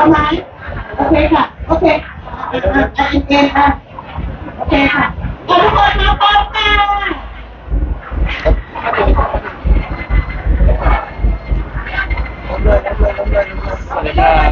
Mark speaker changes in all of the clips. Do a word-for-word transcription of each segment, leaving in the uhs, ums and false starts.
Speaker 1: ไหมโอเคค่ะโอเคอ่ะอ่ะอ่ะเอ็นอ่ะโอเคค่ะขอทุกคนมาพร้อมกัน
Speaker 2: สวัสดีครับ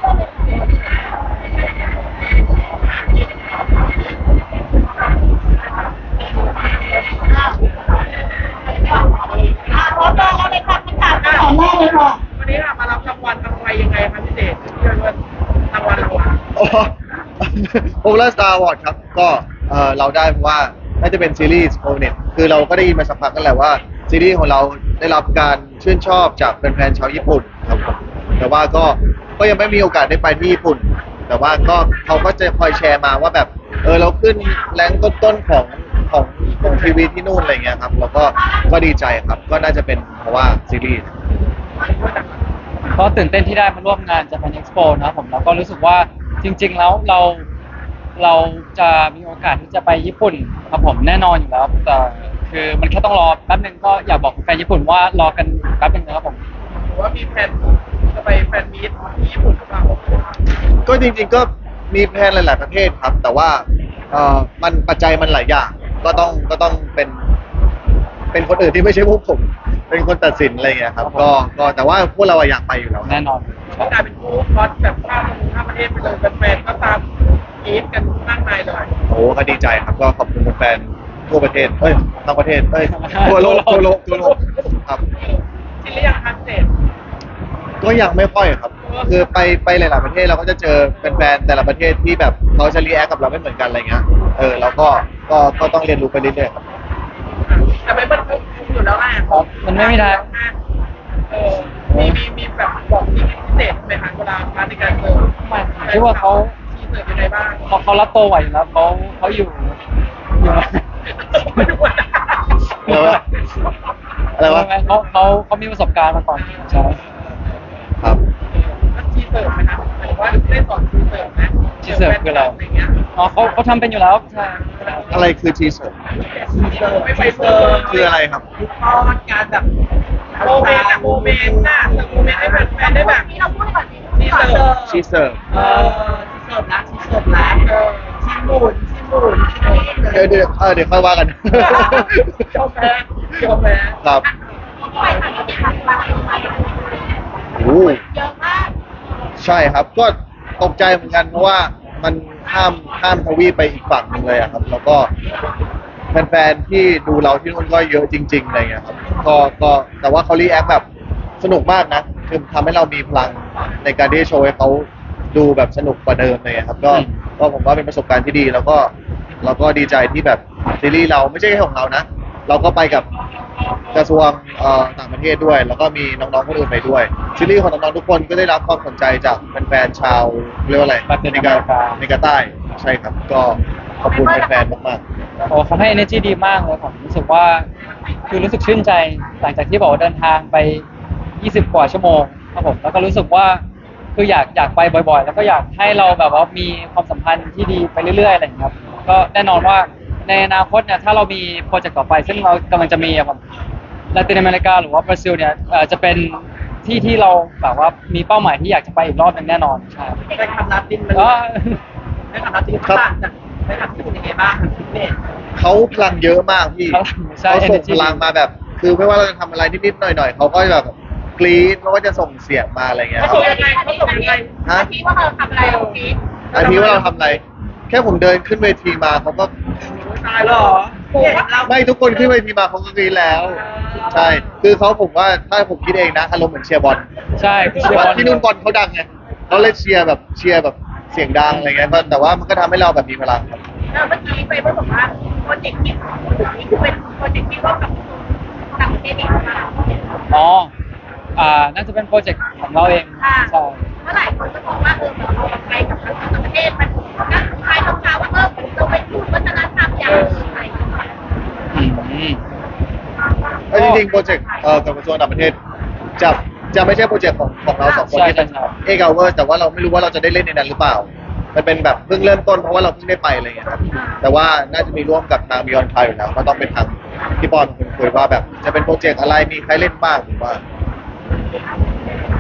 Speaker 1: อ่ะพร้อมแล้วเลยค่ะคำถามคำถามแรกเลยค่ะ
Speaker 3: วันนี้ค่ะมารับรางวัลอะไรยังไงคะพี่เจที่เรียกว่ารางวัลเราอะ
Speaker 2: โอ้โอเ r อร์สตาร์วอร์ดครับก็เออเราได้เพราะว่าน่าจะเป็นซีรีส์โอเน็ตคือเราก็ได้ยินมาสักพักกันแหละว่าซีรีส์ของเราได้รับการชื่นชอบจากแฟนๆชาวญี่ปุ่นครับผมแต่ว่าก็ก็ยังไม่มีโอกาสได้ไปที่ญี่ปุ่น แต่ว่าก็เขาก็จะคอยแชร์มาว่าแบบเออเราขึ้นแรงต้นๆของของของทีวีที่นู่นอะไรเงี้ยครับแล้วก็ก็ดีใจครับก็น่าจะเป็นเพราะว่าซีรีส์
Speaker 4: ก็ตื่นเต้นที่ได้มาร่วมงาน Japan Expo นะครับผมแล้วก็รู้สึกว่าจริง ๆ แล้วเราเราจะมีโอกาสที่จะไปญี่ปุ่นครับผมแน่นอนอยู่แล้วแต่คือมันแค่ต้องรอแป๊บนึงก็อยากบอกแฟนญี่ปุ่นว่ารอกันแป๊บนึงนะครับผม
Speaker 3: หรือว่ามีแผนจะไปแฟนมีตที่ญี่ปุ่นหรือเปล่า
Speaker 2: ก็จริงๆก็มีแพลนหลาย ๆประเทศครับ แต่ว่าเอ่อมันปัจจัยมันหลายอย่างก็ต้องก็ต้องเป็นเป็นคนอื่นที่ไม่ใช่พวกผม เป็นคนตัดสินอะไรอย่างเงี้ยครับก็ก็แต่ว่าพวกเราอะอยากไปอยู่แล้วครับ
Speaker 4: แน่นอน
Speaker 3: ก็กลายเป็นคู่คอสแบบข้ามข้ามประเทศไปเลยแฟนๆก็ตามกรี๊ดกันมากมายเลย
Speaker 2: โอ้ก็ดีใจครับก็ขอบคุณแฟนๆทั่วประเทศเอ้ยทั้งประเทศเอ้ยทั่วโลกทั่วโลกทั่วโลกครับ
Speaker 3: ชิลลี่ยังคะพี่เจ
Speaker 2: ก็ยังไม่ค่อยครับ คือไปไปหลาย ๆประเทศเราก็จะเจอแฟนๆแต่ละประเทศที่แบบเขาจะรีแอคกับเราไม่เหมือนกันอะไรเงี้ยเออแล้วก็ก็ก็ต้องเรียนรู้ไปเรื่อยๆครับ
Speaker 3: แต่ไม่มันอยู่แล้วแหละ
Speaker 4: ครับมันไม่มีทาง
Speaker 3: เออมีมีมีแบบบอกที่พิเศษไหมคะเวลามาในการเจอ
Speaker 4: ไม่คิดว่าเขา
Speaker 3: ที่เจอยังไงบ้าง
Speaker 4: เขาเขารับตัวไหวอยู่แล้วเขาเขาอยู่อยู่
Speaker 3: ไม่รู้ว่า
Speaker 2: อะไรวะอะไรวะ
Speaker 4: เขาเขาเขามีประสบการณ์มาก่อนใช่
Speaker 2: ครับ
Speaker 3: ชีเสิร์ฟไหมคะหมายถึงว่าได้สอนชีเสิร์ฟไหม
Speaker 4: ชีเสิร์ฟคืออะไร
Speaker 3: อะไรเงี้ย
Speaker 4: อ๋อเขาเขาทำเป็นอยู่แล้วใช่
Speaker 2: อะไรคือทีเซอร์
Speaker 3: ชีเสิร์ฟไม่ไปเสิร์ฟ
Speaker 2: คืออะไรครับ
Speaker 3: ตอนการแบบโมเมนต์อะโมเมนต์น่ะเสิร์ฟโมเมนต์ให้แฟนๆได้แบบ
Speaker 1: นี่เราพูดก่อนดิ
Speaker 3: ชีเสิร์ฟ
Speaker 2: ชีเสิร์ฟ
Speaker 3: เออชีเสิร์ฟนะชีเสิร์ฟนะเออชีหมุนชีหมุนชีนี่
Speaker 2: เดี๋ยวเดี๋ยวเออเดี๋ยวค่อยว่ากัน
Speaker 3: เจ้าแม่เจ้าแม่
Speaker 2: ครับ
Speaker 1: ไปทางที่ผ่านมาไป
Speaker 2: โอ้
Speaker 1: เยอะมาก
Speaker 2: ใช่ครับก็ตกใจเหมือนกันเพราะว่ามันข้ามข้ามทวีปไปอีกฝั่งหนึ่งเลยอะครับ แล้วก็แฟนๆที่ดูเราที่นู่นก็เยอะจริงๆอะไรเงี้ยครับก็ก็แต่ว่าเขารีแอคแบบสนุกมากนะคือทำให้เรามีพลังในการที่จะโชว์ให้เขาดูแบบสนุกกว่าเดิมเลยครับก็ก็ผมว่าเป็นประสบการณ์ที่ดี แล้วก็เราก็ดีใจที่แบบซีรีส์เราไม่ใช่แค่ของเรานะ เราก็ไปกับกระทรวงเอ่อต่างประเทศด้วย แล้วก็มีน้องๆคนอื่นไปด้วยซีรีส์ของน้องๆทุกคนก็ได้รับความสนใจจากแฟนๆชาวเรียกว่าอะไรในกาในกาใต้ใช่ครับ ก็ขอบคุณแฟนๆมากๆ
Speaker 4: โอ้เขาให้ energy ดีมากเลยผมรู้สึกว่าคือรู้สึกชื่นใจหลังจากที่บอกว่าเดินทางไปยี่สิบกว่าชั่วโมงครับผมแล้วก็รู้สึกว่าคืออยากอยากไปบ่อยๆ แล้วก็อยากให้เราแบบว่ามีความสัมพันธ์ที่ดีไปเรื่อยๆอะไรอย่างเงี้ยครับก็แน่นอนว่าในอนาคตเนี่ยถ้าเรามีโปรเจกต์ต่อไป ซึ่งเรากำลังจะมีอะครับลาตินอเมริกาหรือว่าบราซิลเนี่ยเอ่อจะเป็นที่ที่เราแบบว่ามีเป้าหมายที่อยากจะไปอีกรอบหนึงแน่นอนใช่
Speaker 3: ได้คำนับดินมัน
Speaker 4: ก็
Speaker 3: ได้คำนับดินต่างจากได้คำที่เป็นยังไงบ้างพี่เมย์
Speaker 2: เขาพลังเยอะมากพี่
Speaker 4: พลังใช่
Speaker 2: เขาส่ง
Speaker 4: energy
Speaker 2: พลังมาแบบ คือไม่ว่าเราจะทำอะไรนิดๆหน่อยๆเขาก็แบบกรี๊ดเขาก็จะส่งเสียงมาอะไรเงี้ย
Speaker 3: เขาส่งยังไงเขาส่งยังไง
Speaker 2: ฮะ
Speaker 1: ที่ว่าเราทำอะไรตรงนี้
Speaker 2: อันนี้ว่าเราทำอะไร แค่ผมเดินขึ้นเวทีมาเขาก็
Speaker 3: ตายเหรอเรา
Speaker 2: ไม่ทุกคนขึ้นเวทีมาเขาก็กรี๊ดแล้ว ใช่ คือเขาผมว่าถ้าผมคิดเองนะอารมณ์เหมือนเชียร์บอล
Speaker 4: ใช่คือเชียร์บอล
Speaker 2: ที่นู่นบอลเขาดังไงเขาเลยเชียร์แบบเชียร์แบบเสียงดังอะไรเงี้ยก็แต่ว่ามันก็ทำให้เราแบบมีพลังครับ
Speaker 1: แล้วเมื่อกี้ไปเมื่อบอกว่าโปรเจกต์ที่นี่คือเป็นโปรเจกต์ที่ร่วมกับต่างประเทศอีกมา
Speaker 4: อ๋อ อ่า น่าจะเป็นโปรเจกต์ของเราเอง
Speaker 1: ค่ะ
Speaker 4: ใช่
Speaker 1: เมื่อหลายคนก็มองว่าเออเราไปกับต่างประเทศมันนั่นคล้ายคำถามว่าเออเราไปพูดวัฒนธรรมอย่างไร
Speaker 4: อืม
Speaker 2: เออจริงๆโปรเจกต์เอ่อกับกระทรวงต่างประเทศจะจะไม่ใช่โปรเจกต์ของของเราสองคน
Speaker 4: ใช่
Speaker 2: ที่เป็น
Speaker 4: ใช่ใช่
Speaker 2: เอกเอาเวอร์แต่ว่าเราไม่รู้ว่าเราจะได้เล่นในนั้นหรือเปล่า มันเป็นแบบเพิ่งเริ่มต้นเพราะว่าเราเพิ่งได้ไปอะไรอย่างเงี้ยครับแต่ว่าน่าจะมีร่วมกับทางบิออนไทยอยู่แล้วก็ต้องเป็นทางพี่ปอนคุยคุยว่าแบบจะเป็นโปรเจกต์อะไรมีใครเล่นบ้างหรือว่า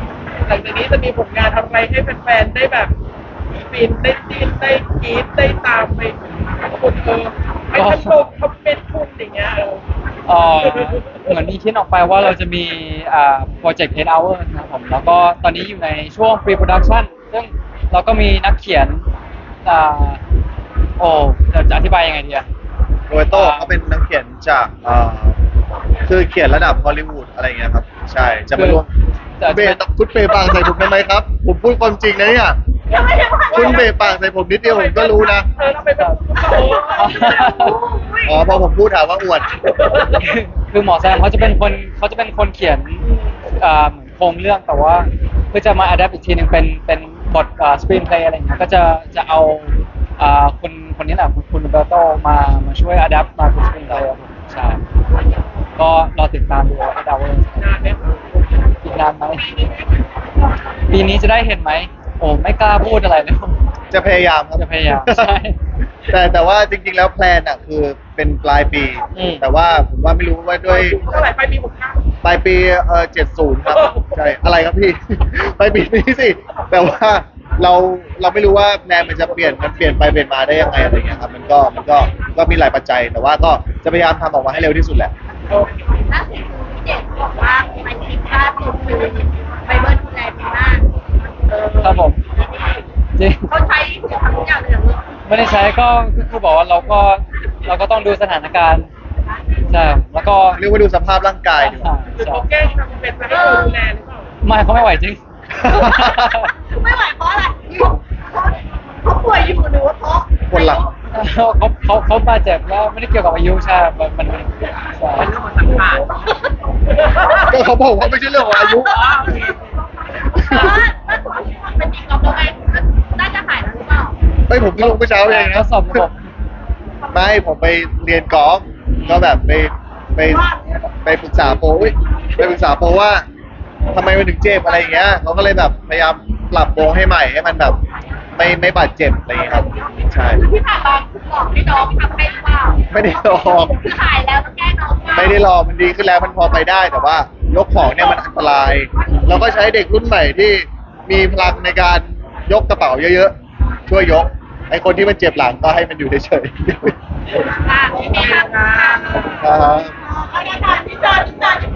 Speaker 3: หลังจากนี้จะมีผลงานทำอะไรให้แฟนๆได้แบบฟินได้จีนได้กรี๊ดได้ตามไปคุณเออไอ้ชมคอมเมนต์คุณอย่างเงี้ยเออ
Speaker 4: เอ่อเหมือนมีคิดออกไปว่าเราจะมีอ่าโปรเจกต์ eight hours นะครับผมแล้วก็ตอนนี้อยู่ในช่วง pre production ซึ่งเราก็มีนักเขียนอ่าโอ้จะจะอธิบายยังไงดีอะ
Speaker 2: โรเบโต้เขาเป็นนักเขียนจากเอ่อคือเขียนระดับฮอลลีวูดอะไรเงี้ยครับ ใช่จะมาร่วม
Speaker 4: จะ
Speaker 2: เบะคุณเปย์ปางใส่ผมทำไมครับ ผมพูดความจริงนะเนี่ย
Speaker 1: ยังไม่ได้ว่า
Speaker 2: คุณเบะปางใส่ผมนิดเดียวผมก็รู้นะ
Speaker 3: เออเราไปเป็นผู้โต
Speaker 2: อ๋อพอผมพูดถามว่าอวด
Speaker 4: คือหมอแซมเขาจะเป็นคนเขาจะเป็นคนเขียนอ่าเหมือนโครงเรื่องแต่ว่าเพื่อจะมาอัดแอปอีกทีหนึ่งเป็นเป็นบทอ่าสกรีนเพลย์อะไรอย่างเงี้ยก็จะจะเอาอ่าคนคนนี้แหละคุณคุณเบลโตมามาช่วยอัดแอปมาเป็นสกรีนเพลย์ครับผมใช่ก็รอติดตามดูไอ้ดาวเวอร์
Speaker 3: นานเนี่ย
Speaker 4: อีกนานไหมปีนี้จะได้เห็นไหมโอ้ไม่กล้าพูดอะไรเลย
Speaker 2: จะพยายามครับ
Speaker 4: จะพยายามใช่
Speaker 2: แต่แต่ว่าจริงๆแล้วแพลนอ่ะคือเป็นปลายปี
Speaker 4: อืม
Speaker 2: แต่ว่าผมว่าไม่รู้ว่าด้วย
Speaker 3: เท่าไหร่ไปมีหกข้าว
Speaker 2: ปลายปีเออเจ็ดศูนย์ครับ ใช่ อะไรครับพี่ ปลายปีนี้สิ แต่ว่าเราเราไม่รู้ว่าแพลนมันจะเปลี่ยนมันเปลี่ยนไปเปลี่ยนมาได้ยังไงอะไรเงี้ยครับ มันก็มันก็ก็มีหลายปัจจัย แต่ว่าก็จะพยายามทำออกมาให้เร็วที่สุดแหละ
Speaker 3: โอเค
Speaker 1: ล่าสุดคือพี่เจดบอกว่าไปทริปล่าสุดคือไปเบิร์นดูแลปีหน้า
Speaker 3: เออ
Speaker 4: ครับผมจริง
Speaker 1: เขาใช้ทำทุกอย่างเลยเหรอลูก
Speaker 4: ไม่ได้ใช้ก็ก็คือบอกว่าเราก็เราก็ต้องดูสถานการณ์ใช่แล้วก็
Speaker 2: เรียกว่าดูสภาพร่างกายดีกว่า
Speaker 3: คือเขาแกล้งทำเป็นไปให้เราดูแลหรือเปล่า
Speaker 4: ไม่เขาไม่ไหวจริง
Speaker 1: ไม่ไหวเพราะอะไรเขาเขาป่วยอยู่หรือว่าเพราะ
Speaker 2: ปวดหลัง
Speaker 4: เขาเขาเขาบาดเจ็บแล้วไม่ได้เกี่ยวกับอายุใช่มันมันมันใช่
Speaker 3: เป็นเรื่องของสังขาร
Speaker 2: ก็เขาบอกว่าไม่ใช่เรื่องของอายุ
Speaker 1: เออถ้าถูกเป็นอีกรอบแล้วไงน่าจะหายแล้วหรือเปล่า
Speaker 2: ไม่ผมเพิ่งลงเมื่อเช้าเอง
Speaker 4: ท
Speaker 2: นะ
Speaker 4: ดสอบระบบ
Speaker 2: ไม่ผมไปเรียนกอล์ฟก็แบบไปไปไปปรึกษาโปรอุ๊ยไปปรึกษาโปรว่าทำไมมันถึงเจ็บอะไรอย่างเงี้ยเขาก็เลยแบบพยายามปรับโปรให้ใหม่ให้มันแบบไม่ไม่บาดเจ็บอะไรอย่างเงี้ยครับ ใช่
Speaker 1: คือที่ผ่านมาคือบอกให้น้องทำให้หรือเปล่า
Speaker 2: ไม่ได้ลอง
Speaker 1: คือหายแล้วต้องแก้น้องเปล่า
Speaker 2: ไม่ได้ลองมันดีขึ้นแล้วมันพอไปได้แต่ว่ายกของเนี่ยมันอันตราย เราก็ใช้เด็กรุ่นใหม่ที่มีพลังในการยกกระเป๋าเยอะๆช่วยยกไอคนที่มันเจ็บหลังก็ให้มันอยู่เฉยๆ
Speaker 1: อ่ะโอเคค่ะ
Speaker 2: ครับ
Speaker 1: เอาละค่ะที่จอที่จอ